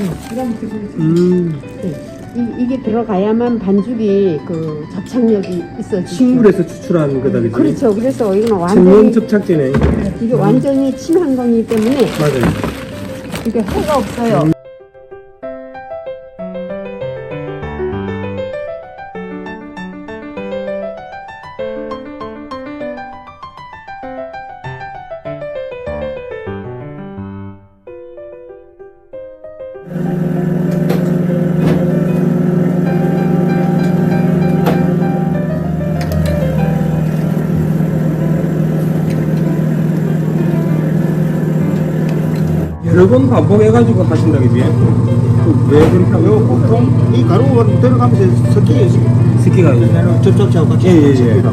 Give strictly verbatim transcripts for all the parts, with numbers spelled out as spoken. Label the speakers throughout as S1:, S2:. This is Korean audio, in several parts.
S1: 음.
S2: 네. 이, 이게 들어가야만 반죽이 그 접착력이 있어지죠.
S1: 식물에서 추출한 거다, 그지?
S2: 그렇죠. 그래서 이건
S1: 천연
S2: 완전히
S1: 접착제네.
S2: 이게 완전히 친환경이기 때문에
S1: 맞아요.
S2: 이게 해가 없어요.
S1: 음. 여러 번 반복해가지고 하신다, 그지? 왜 그렇게 하고?
S3: 보통 이 가루가 들어가면서 섞이게
S1: 스키가 이제.
S3: 그냥 접착제하고 같이
S1: 예, 예, 예.
S3: 섞이다.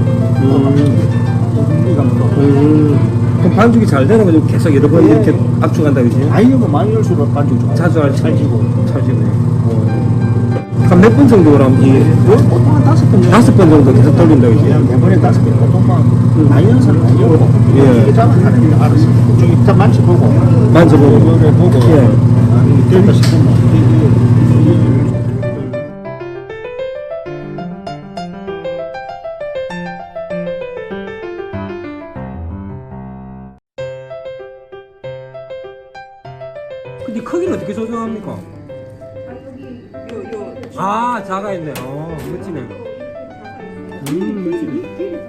S1: 음.
S3: 이가 뭐
S1: 음. 그럼 반죽이 잘 되는 거죠? 계속 여러 번
S3: 예,
S1: 이렇게
S3: 예.
S1: 압축한다, 그지?
S3: 많이 넣으면 많이 넣을수록 반죽 좋아.
S1: 자주 할
S3: 찰지고.
S1: 찰지고. 한 몇 번 정도 그럼 이
S3: 보통 한 다섯 번 정도.
S1: 다섯 번 정도 계속 돌린다, 그지?
S3: 그냥 매번에 다섯 번 보통만 많이 넣어서는 많이 넣고
S1: 예.
S3: 이게 잘하는 게 알았어. 좀 일단 만져보고
S1: 만져보고.
S3: 이거를 보고
S1: 예.
S3: 아, 이게 될까 싶으면 이- 이- 이-
S1: 근데 크기는 어떻게 조정합니까? 아, 자가 있네. 어, 멋지네. 음, 멋지네.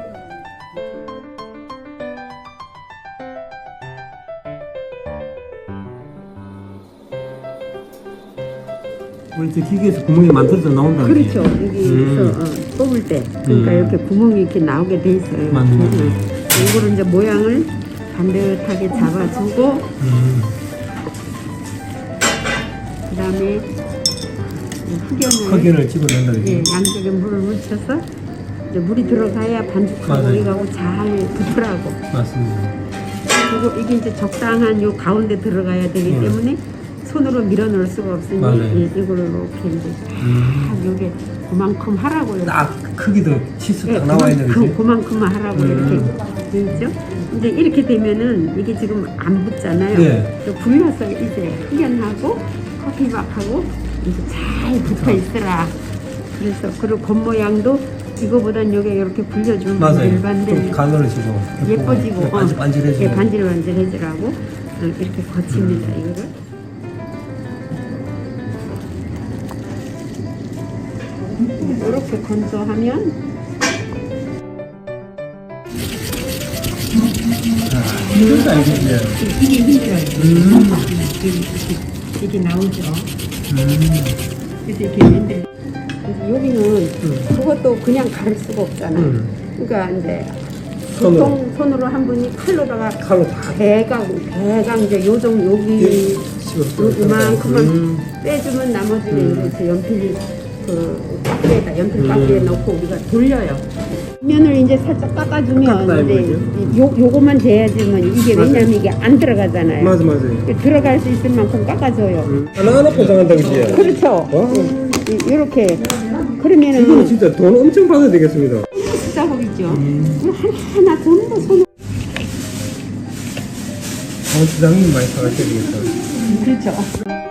S1: 우리 저 기계에서 구멍이 만들어져 나온다.
S2: 그렇죠. 여기서
S1: 음.
S2: 어, 뽑을 때 그러니까
S1: 음.
S2: 이렇게 구멍이 이렇게 나오게 돼 있어요.
S1: 맞네, 맞네.
S2: 음. 이거를 이제 모양을 반듯하게 잡아주고
S1: 음.
S2: 그다음에 흑연을
S1: 흑연을 집어넣는다.
S2: 예,
S1: 그지?
S2: 양쪽에 물을 묻혀서 이제 물이 들어가야 반죽하고
S1: 맞아요.
S2: 이거하고 잘 붙으라고.
S1: 맞습니다.
S2: 그리고 이게 이제 적당한 요 가운데 들어가야 되기
S1: 음.
S2: 때문에 손으로 밀어 넣을 수가 없으니
S1: 맞아요.
S2: 이, 이걸로 이렇게 이제
S1: 음.
S2: 딱 요게 그만큼 하라고 이렇게.
S1: 딱 크기도 치수
S2: 예,
S1: 딱 나와 있는
S2: 그만큼,
S1: 거지.
S2: 그만큼만 하라고
S1: 음.
S2: 이렇게 되죠. 이제 이렇게 되면은 이게 지금 안 붙잖아요.
S1: 네.
S2: 그래서 불려서 이제 흑연하고 커피박하고 이제 잘 붙어 있더라. 그래서 그리고 겉모양도 이거보단 요게 이렇게 불려주면
S1: 맞아요. 좀
S2: 일반들
S1: 가늘어지고
S2: 예뻐지고 어,
S1: 반질 반질해지고.
S2: 예, 반질반질해지라고 어, 이렇게 거칩니다.
S1: 음.
S2: 이거를. 이렇게 건조하면
S1: 힘들다 이게 이제.
S2: 이게 힘들어요.
S1: 음.
S2: 이게, 이게 나오죠.
S1: 음.
S2: 그래서 이렇게 힘들. 그래서 여기는 그것도 그냥 가를 수가 없잖아요.
S1: 음.
S2: 그러니까 이제
S1: 손으로.
S2: 보통 손으로 한 분이 칼로다가
S1: 칼로 다
S2: 배가 배가 이제 요정 여기 요- 요만큼만
S1: 음.
S2: 빼주면 나머지는
S1: 음.
S2: 이제 그 연필 그 박스에다 연필
S1: 음.
S2: 박스에 넣고 우리가 돌려요. 면을 이제 살짝 깎아주면
S1: 깎아야
S2: 이제
S1: 보이죠?
S2: 요 요거만 돼야지만 이게
S1: 맞아요.
S2: 왜냐면 이게 안 들어가잖아요.
S1: 맞아 맞아요.
S2: 들어갈 수 있을 만큼 깎아줘요.
S1: 음. 하나하나 포장한다 그지?
S2: 그렇죠.
S1: 와.
S2: 이렇게
S1: 이거는
S2: 그러면은
S1: 진짜 돈 엄청 받아야 되겠습니다.
S2: 작업이죠.
S1: 음.
S2: 하나 전부 손.
S1: 어, 부장님 많이 사가셔야 되겠다.
S2: 그렇죠.